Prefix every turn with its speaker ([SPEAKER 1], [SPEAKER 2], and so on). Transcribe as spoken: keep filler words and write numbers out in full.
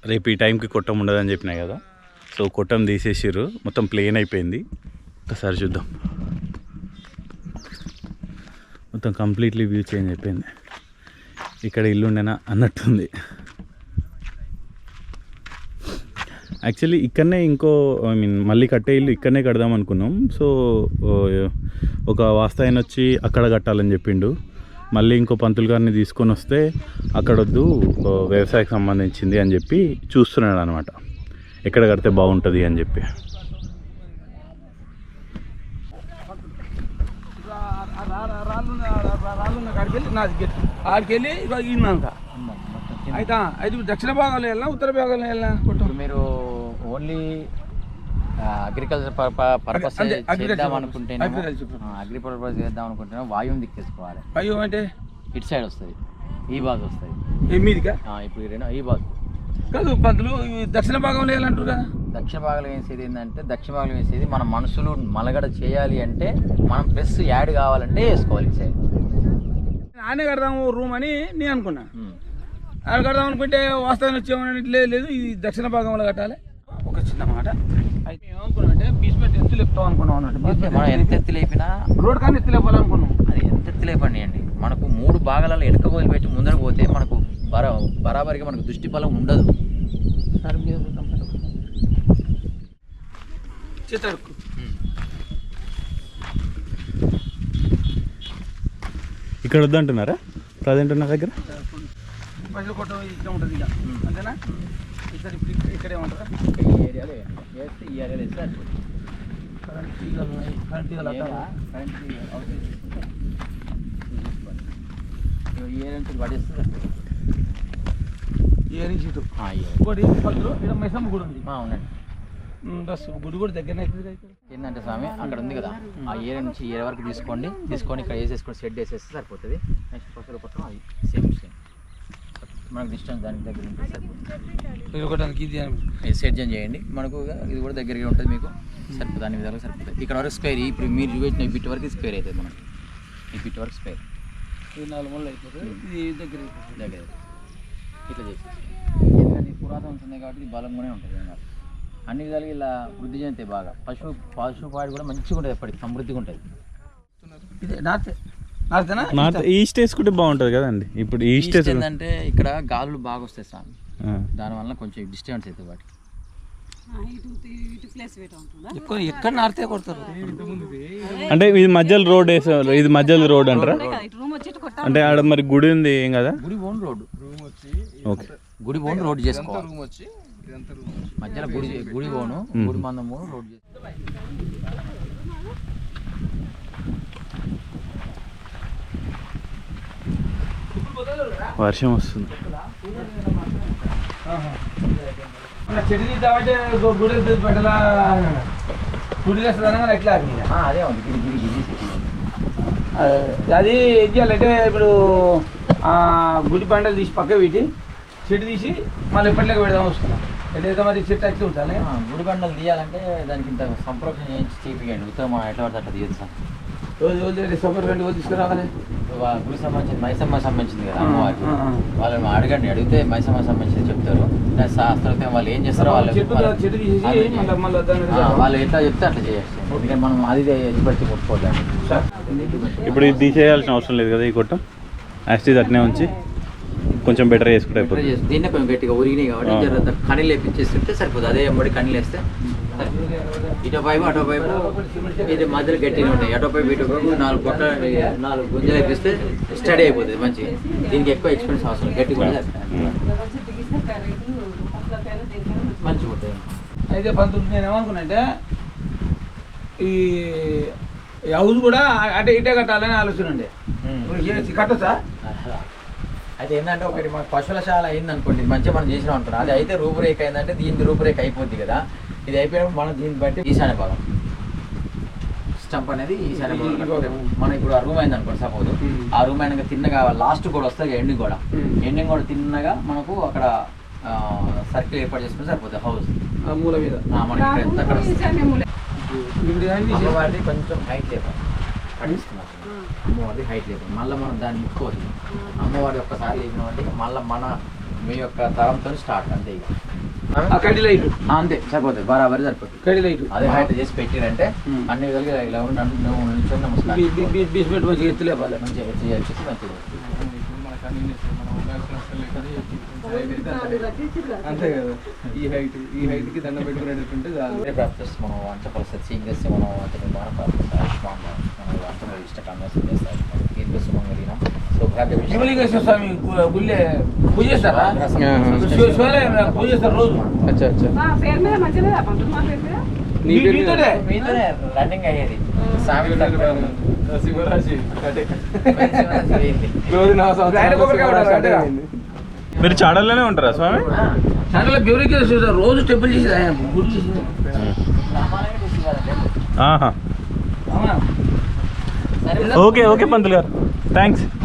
[SPEAKER 1] రేపు ఈ టైంకి కొట్టం ఉండదని చెప్పినా కదా, సో కొట్టం తీసేసారు, మొత్తం ప్లేన్ అయిపోయింది. ఒకసారి చూద్దాం, మొత్తం కంప్లీట్లీ వ్యూ చేంజ్ అయిపోయింది. ఇక్కడ ఇల్లు ఉండేనా అన్నట్టుంది. యాక్చువల్లీ ఇక్కడనే ఇంకో ఐ మీన్ మళ్ళీ కట్టే ఇల్లు ఇక్కడనే కడదాం అనుకున్నాం. సో ఒక వాస్తాయన వచ్చి అక్కడ కట్టాలని చెప్పిండు. మళ్ళీ ఇంకో పంతులు గారిని తీసుకొని వస్తే అక్కడొద్దు, వ్యవసాయకు సంబంధించింది అని చెప్పి చూస్తున్నాడు అనమాట, ఎక్కడ కడితే బాగుంటుంది అని చెప్పి.
[SPEAKER 2] ఆడికెళ్ళి అయితే అయితే దక్షిణ భాగంలో వెళ్ళినా ఉత్తర భాగంలో వెళ్ళినా
[SPEAKER 3] మీరు ఓన్లీ అగ్రికల్చర్ పర్పస్ చేద్దాం అనుకుంటే అగ్రి పర్పస్ చేద్దాం అనుకుంటే వాయువు దిక్కేసుకోవాలి.
[SPEAKER 2] వాయువు అంటే
[SPEAKER 3] ఇటు సైడ్ వస్తుంది, ఈ బాగా వస్తుంది
[SPEAKER 2] మీదిగా.
[SPEAKER 3] ఇప్పుడు ఈ బాగా
[SPEAKER 2] కాదు పంతులు, దక్షిణ భాగంలో వెళ్ళాలంటారు కదా.
[SPEAKER 3] దక్షిణ భాగంలో వేసేది ఏంటంటే, దక్షిణ భాగంలో వేసేది మన మనసులు మలగడ చేయాలి అంటే మనం ప్లస్ యాడ్ కావాలంటే వేసుకోవాలి ఇటు సైడ్.
[SPEAKER 2] ఆనే కడదాము రూమ్ అని నేను అనుకున్నా. ఆడ కడదాం అనుకుంటే వాస్తవాన్ని వచ్చేమని లేదు, ఇది దక్షిణ భాగంలో కట్టాలి. ఒక చిన్న మాట అయితే ఏమనుకున్నాం అంటే బీస్మెంట్ ఎత్తు లేపుతాం అనుకున్నాం అన్నట్టు.
[SPEAKER 3] మనం ఎంత ఎత్తు లేపినా
[SPEAKER 2] రోడ్ కానీ ఎత్తు లేపాలనుకున్నాం.
[SPEAKER 3] అది ఎంత ఎత్తు లేపండి, మనకు మూడు భాగాలలో వెనక పోయి పెట్టి ముందర పోతే మనకు బరా బరాబరిగా మనకు దృష్టి బలం ఉండదు.
[SPEAKER 2] చేతడుకు
[SPEAKER 1] ఇక్కడ వద్దంటున్నారా ప్రజెంట్ ఉన్న దగ్గర?
[SPEAKER 2] పైసలు కొట్ట ఇక్కడ ఉంటుంది ఇక, అంతేనా? ఇక్కడ ఇప్పుడు ఇక్కడే ఉంటారా?
[SPEAKER 3] ఈ ఏరియాలో వేస్తే ఈ ఏరియాలో వేస్తే
[SPEAKER 2] కరెంట్ తీగలు ఉన్నాయి, కరెంట్ తీగలు
[SPEAKER 3] కరెంట్ ఈ ఏరియా నుంచి పడేస్తే
[SPEAKER 2] ఏ నుంచి ఇటు ఇంకోటి పక్కలో ఇక్కడ మైసమ్మ గుడి ఉంది.
[SPEAKER 3] అవునండి,
[SPEAKER 2] బస్ గుడి కూడా దగ్గరనే అవుతుంది.
[SPEAKER 3] ఏంటంటే స్వామి అక్కడ ఉంది కదా, ఆ ఏరియా నుంచి ఏరియా వరకు తీసుకోండి, తీసుకొని ఇక్కడ వేసేసుకొని షెడ్ వేసేస్తే సరిపోతుంది. నెక్స్ట్ పక్కన పక్కన అది సేమ్ సేమ్ మనకు డిస్టెన్స్ దానికి దగ్గర ఉంటుంది, సరిపోతుంది. ఇది సెట్ చేయండి, మనకు ఇది కూడా దగ్గరగా ఉంటుంది, మీకు సరిపోతుంది, అన్ని విధాలుగా సరిపోతుంది. ఇక్కడ వరకు స్క్వేర్, ఇప్పుడు మీరు చూపించిన ఈ బిట్ వరకు స్క్వేర్ అవుతుంది మనకి, ఈ బిట్ వరకు స్క్వేర్.
[SPEAKER 2] ఇది నాలుగు మూలలు అయిపోతుంది, ఇది దగ్గర
[SPEAKER 3] దగ్గర ఇట్లా చేసి ఎందుకంటే పురాతన ఉంటుంది కాబట్టి ఇది బలంగానే ఉంటుంది. అన్ని విధాలుగా ఇలా వృద్ధి చెందితే బాగా పశువు పశుపాడి కూడా మంచిగా ఉంటుంది, ఎప్పటికి సమృద్ధిగా ఉంటుంది.
[SPEAKER 1] నార్త్ ఈస్ట్ వేసుకుంటే బాగుంటుంది కదండి. ఇప్పుడు ఈస్ట్
[SPEAKER 3] ఏంటంటే ఇక్కడ గాలులు బాగా వస్తాయి స్వామి, దానివల్ల కొంచెం డిస్టర్బెన్స్ అవుతుంది వాటికి.
[SPEAKER 2] ఎక్కువ ఎక్కడ నార్తే కొడతారు
[SPEAKER 1] అంటే ఇది మధ్యలో రోడ్ వేసారు, ఇది మధ్యలో రోడ్ అంటారా? అంటే ఆడ మరి గుడి ఉంది ఏం కదా,
[SPEAKER 3] గుడి ఓన్ రోడ్.
[SPEAKER 1] ఓకే,
[SPEAKER 3] గుడి ఓన్ రోడ్ చేసుకోవాలి, మధ్యలో గుడి గుడి ఓను గుడి మందము రోడ్ చేసుకోవాలి.
[SPEAKER 1] వర్షం వస్తుంది.
[SPEAKER 2] చెడు తీద్దామంటే గుడి పెట్టలా, గుడి వేస్తుందనగా ఎట్లా
[SPEAKER 3] అదే ఉంది గిరి గిరి గిరి
[SPEAKER 2] అది ఏం చేయాలంటే ఇప్పుడు గుడి పంటలు తీసి పక్క పెట్టి చెట్టు తీసి మళ్ళీ ఎప్పటిలాగా పెడదాం వస్తున్నాం. ఎట్లయితే మరి చెట్టు అట్లా ఉంటాను.
[SPEAKER 3] గుడి పంటలు తీయాలంటే దానికి ఇంత సంప్రోక్షణ చేయించి తీపియండి, ఉత్తరం ఎట్లా పడితే అట్లా తీయదు సార్.
[SPEAKER 2] రోజు రోజు సూపర్ రెండు రోజు తీసుకురావాలి.
[SPEAKER 3] గుడి సంబంధించింది మైసమ్మ సంబంధించింది కదా అమ్మవారికి, వాళ్ళని అడగండి, అడిగితే మైసమ్మ సంబంధించింది చెప్తారు. శాస్త్రం వాళ్ళు ఏం చేస్తారో వాళ్ళు వాళ్ళు ఎట్లా చెప్తే అట్లా చేయాలి. ఎందుకంటే మనం అది ఎత్తిపడితే కొట్టుకోవద్దాం.
[SPEAKER 1] ఇప్పుడు ఇది తీసేయాల్సిన అవసరం లేదు కదా, ఈ కొట్టం యాస్టీజ్ అట్నే ఉంచి కొంచెం బెటర్ చేసుకుంటే అయిపోతుంది.
[SPEAKER 3] దీన్నే కొంచెం గట్టిగా ఉరిగినాయి కాబట్టి కనీలు వేపించేస్తుంటే సరిపోతుంది. అదే ఎంబడి కనీలు వేస్తే ఇటో పైపు అటో పైపు ఇది మధ్యలో గట్టిగా ఉంటాయి, అటో పైపు ఇటో పైపు నాలుగు పక్క నాలుగు గుంజలు వేపిస్తే స్టడీ అయిపోతుంది మంచిగా. దీనికి ఎక్కువ ఎక్స్పెన్స్ అవసరం, గట్టి కూడా మంచిగా ఉంటుంది.
[SPEAKER 2] అయితే పంతులు నేను ఏమనుకున్నా అంటే ఈ హౌస్ కూడా అటే ఇటే కట్టాలని ఆలోచన ఉండే, కట్టొచ్చా?
[SPEAKER 3] అయితే ఏంటంటే ఒకటి మన పశువులశాల అయింది అనుకోండి, మంచిగా మనం చేసినాం అనుకున్నాం. అది అయితే రూపురేఖ అయిందంటే దీని రూపురేఖ అయిపోద్ది కదా. ఇది అయిపోయినప్పుడు మనం దీన్ని బట్టి ఈశాన్య భాగం స్టంప్ అనేది ఈశాన్య భాగం. మనం ఇప్పుడు ఆ రూమ్ అయింది అనుకోండి సపోజ్, ఆ రూమ్ అయినాక తిన్నగా లాస్ట్ కూడా వస్తుంది ఎండింగ్ కూడా, ఎండింగ్ కూడా తిన్నగా మనకు అక్కడ సర్కిల్ ఏర్పాటు చేసుకుంటే సరిపోతుంది హౌస్
[SPEAKER 2] మూల మీద.
[SPEAKER 3] మనకి ఎంత అక్కడ అమ్మవారిది కొంచెం హైట్ లేపాలి, పట్టిస్తున్నాం అమ్మవారిది హైట్ లేపాలి. మళ్ళీ మనం దాన్ని ఇప్పుకోవచ్చు. అమ్మవారి ఒక్కసారి లేపినామంటే మళ్ళీ మన మీ యొక్క తరంతో స్టార్ట్ అంతే ఇక
[SPEAKER 2] ఆ కడ్డీ లైట్
[SPEAKER 3] ఆ, అంతే సరిపోతుంది బరాబరి సరిపోతుంది
[SPEAKER 2] కడ్డీ లైట్
[SPEAKER 3] అదే హైట్ చేసి పెట్టిరంటే అన్ని విధాలుగా ఇలా ఉండి నిల్చొని నమస్కారం
[SPEAKER 2] బీస్మెంట్ మంచిగా ఎత్తులేపాలి
[SPEAKER 3] మంచిగా ఎత్తి చేసి మంచిది
[SPEAKER 4] అంతే కదా ఈ హైట్ ఈ హైట్ కి దండం పెట్టుకునేటట్టుంటే చాలు
[SPEAKER 3] ప్రాప్తిస్ మనం వంట పరిస్థితి సీక్రెస్ మనం వంట నిర్మాణ ప్రాప్తిస్ ఆయుష్మాన్ మనం వంట ఇష్ట కామ్యాసం చేస్తాం దీనికి సుమంగళిన సౌభాగ్య
[SPEAKER 2] శివలింగేశ్వర స్వామి గు- గుళ్ళే పూజ చేస్తారా శివ- శివాలయం పూజ చేస్తారు రోజు
[SPEAKER 4] అచ్చా అచ్చా
[SPEAKER 5] మా పేరు మీద మంచిగా పంతులు మా పేరు మీద
[SPEAKER 4] నీ
[SPEAKER 2] మీ-
[SPEAKER 4] పేరు మీద?
[SPEAKER 2] మీతోనే?
[SPEAKER 3] మీతోనే రన్నింగ్ అయ్యేది స్వామి
[SPEAKER 4] శివరాశి అదే
[SPEAKER 3] అయింది
[SPEAKER 4] రోజు నా
[SPEAKER 2] ఆయన కొబ్బరికాయ కొట్టాలి, అంతేగా?
[SPEAKER 1] మీరు చాడల్లోనే ఉంటారా స్వామి?
[SPEAKER 2] దాంట్లో శివలింగేశ్వర రోజు టెంపుల్ చేసేది ఆయన గుడి చేసేది
[SPEAKER 1] ఆహా
[SPEAKER 2] అవునా
[SPEAKER 1] ఓకే ఓకే పంతులు గారు థ్యాంక్స్